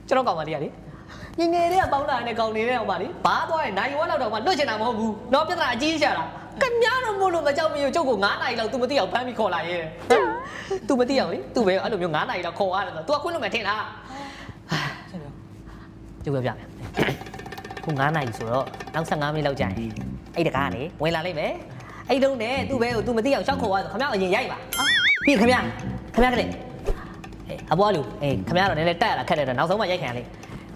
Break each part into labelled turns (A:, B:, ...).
A: ကျွန်တော်ကောင်မလေးကလေငယ်လေးကပေါင်းလာတဲ့ကောင်နေတဲ့အောင်ပါလေဘာသွားရင်နိုင်ဝက်လောက်တော့မှလွတ်ချင်တာမဟုတ်ဘူးတော့ပြဿနာအကြီးရှာတာခင်ဗျားတို့မို့လို့မကြောက်မီကိုကျုပ်က9နာရီလောက် तू မသိအောင်ဖမ်းပြီးခေါ်လာရဲ तू မသိအောင်လေ तू ပဲအဲ့လိုမျိုး9နာရီလောက်ခေါ်ရတယ်ဆို तू ကခွင့်လို့မထင်လားကျုပ်ပြောပြမယ်ခု9နာရီဆိုတော့နောက်15မိနစ်လောက်ကြာရင်အဲ့တကားကလေဝင်လာလိမ့်မယ်အဲ့တုန်းနဲ့ तू ပဲကို तू မသိအောင်ရှောက်ခေါ်ရဆိုခင်ဗျားအရင်ရိုက်ပါပြီးခင်ဗျားကလေအဘွားလူခင်ဗျားတော့နည်းနည်းတက်ရတာခက်တယ်တော့နောက်ဆုံးမှရိုက်ခံရလေ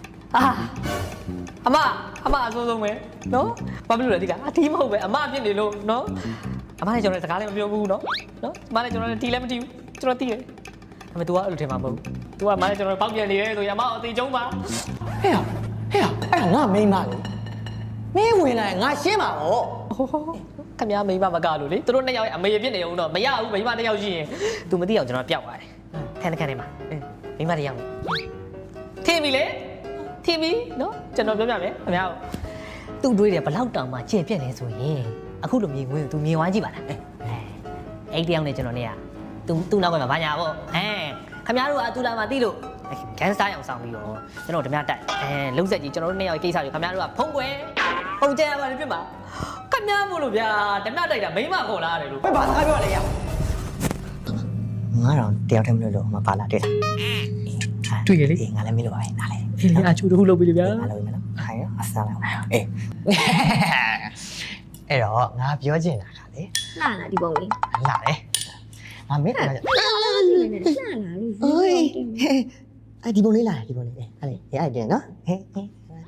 A: အမအဆိုးဆုံးပဲနော်ဘာဖြစ်လို့လဲဒီကအတီးမဟုတ်ပဲအမဖြစ်နေလို့နော်အမလည်းကျွန်တော်စကားလည်းမပြောဘူးနော်အမလည်းကျွန်တော်လည်းတီးလည်းမတီးဘူးကျွန်တော်တီးတယ်ဒါပေမဲ့ तू ကအဲ့လိုထင်မှာမဟုတ်ဘူး तू ကမလည်းကျွန်တော်ပေါက်ပြန်နေရဲဆိုရင်အမအသေးကျုံးပါ
B: ဟဲ့အဲ့ငါမိန်းမလေမင်းဝင်လာငါရှင်းပါတော့
A: ခင်ဗျားမိန်းမမကလို့လေသူတို့နှစ်ယောက်ရဲ့အမေဖြစ်နေအောင်တော့မရဘူးမိန်းမတစ်ယောက်ရှိရင် तू မသိအောင်ကျွန်တော်ပျောက်သွားတယ်ခန်းထဲမှာမိန်းမတစ်ယောက်ထင်ပြီလေထင်ပြီနော်ကျွန်တော်ပြောပြမယ်ခင်ဗျားသူ့တွေးတယ်ဘလောက်တောင်မှကျေပြက်နေဆိုရင်အခုလိုမြင်ငွေကို तू မြင်ဝိုင်းကြည့်ပါလားအဲ့တယောက်နဲ့ကျွန်တော်နဲ့က तू နောက်ကမှဘာညာပေါ့ခင်ဗျားတို့က तू လာမှသိလို့ဂန်စတာအောင်ဆောင်ပြီးတော့ကျွန်တော်ဓမြတက်လုံးဆက်ကြီးကျွန်တော်တို့နှစ်ယောက်ကိစ္စကိုခင်ဗျားတို့ကဖုံးကွယ်ပုံကျဲရပါလိမ့်ပြမှာခင်ဗျားမို့လို့ဗျာဓမြတိုက်တာမိမခေါ်လာရတယ်လို့
B: ဘယ်ဘာစကားပြောလဲရငါတော့တယောက်တည်းမလို့မပါလာတွေ့လား
A: တွေ့ရလေ
B: ငါလည်းမလို့ပါပဲနားလေ
A: အေးလေအချူတခုလုပ်ပြီလေဗျာ
B: ငါလုပ်ပြီမလားဟိုင်အဆန်းလိုက်အေးအဲ့တော့ငါပြောချင်တာကလေ
C: လှလာဒီပုံလေး
B: လှတယ်ငါမင်းက
C: လှလာလို့
B: အိုးအဲ့ဒီပုံလေးလာဒီပုံလေးအဲ့လေအဲ့အဲ့နော်ဟဲ့ဟဲ့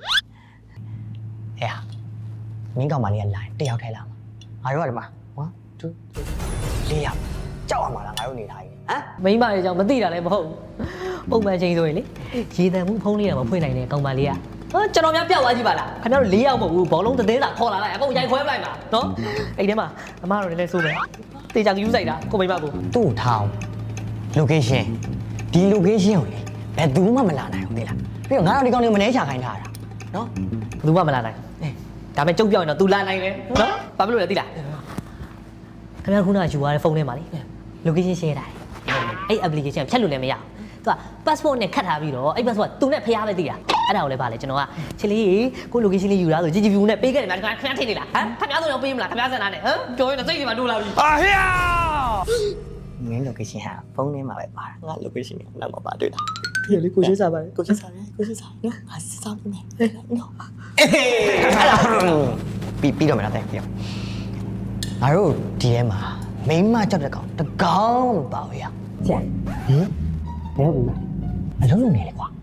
B: မင်းကောင်မလေးကလာတယောက်ထဲလာမှာငါတို့ကဒီမှာ1 2 3 4ယောက်ကြောက်ရမှာလားငါတို့နေထားရင်ဟမ်
A: မိမရဲ့ကြောင့်မသိတာလည်းမဟုတ်ပုံမှန်ချင်းဆိုရင်လေရေတံမှုဖုံးလေးကမဖွင့်နိုင်တဲ့ကောင်မလေးကကျွန်တော်များပျောက်သွားကြည့်ပါလားခင်ဗျားတို့4ယောက်မဟုတ်ဘူးဘောလုံးသတင်းစာခေါ်လာလိုက်အကုန်ရိုက်ခွဲပလိုက်ပါနော်အဲ့ထဲမှာအမတို့လည်းစိုးမယ်တေချာယူဆိုင်တာကိုမိမကို
B: သူ့ထောင်း location ဒီ location ကိုလေဘယ်သူမှမလာနိုင်ဘူးလေလားပြီးတော့ငါတို့ဒီကောင်လေးမနှဲချခိုင်းထားတာနော်
A: ဘယ်သူမှမလာနိုင်ဒါပေမဲ့ကျုပ်ပြောရင်တော့ तू လာနိုင်တယ်နော်ဘာဖြစ်လို့လဲသိလားခင်ဗျားခုနကယူသွားတဲ့ဖုန်းထဲမှာလေ location share တာအဲ့ application ဖြတ်လို့လည်းမရဘူးသူက passport နဲ့ခတ်ထားပြီးတော့အဲ့ passport သူနဲ့ဖျားပဲသိတာအဲ့ဒါကိုလည်းဗာလေကျွန်တော်ကချစ်လေးကို location လေးယူလာဆို GGV နဲ့ပေးခဲ့တယ်ဗျာခင်ဗျားထင်နေလားဟမ်ခင်ဗျားဆိုတော့ပေးမလားခင်ဗျားစံသားနဲ့ဟမ်ပြောရင်တော့စိတ်တွေမှာတိုးလာပြီ
B: ဟေးမင်း location ဟာဖုန်းထဲမှာပဲပါငါ location နဲ့နောက်မှာပါတွေ့တာ
A: ဒီလေကိုရှင်းစားပါတယ်
B: ကိုရှင်းစားနော်ငါစစ်စားနေတယ်နော်ပြီးတော့မလားတဲ့ပြောငါတို့ဒီထဲမှာမိန်းမကြောက်တဲ့ကောင်တကောင်မပါဘူးရ
A: ဆရာ
B: ဟင်ဘယ်လိုလဲအလုံးလုံးနေလေကွာ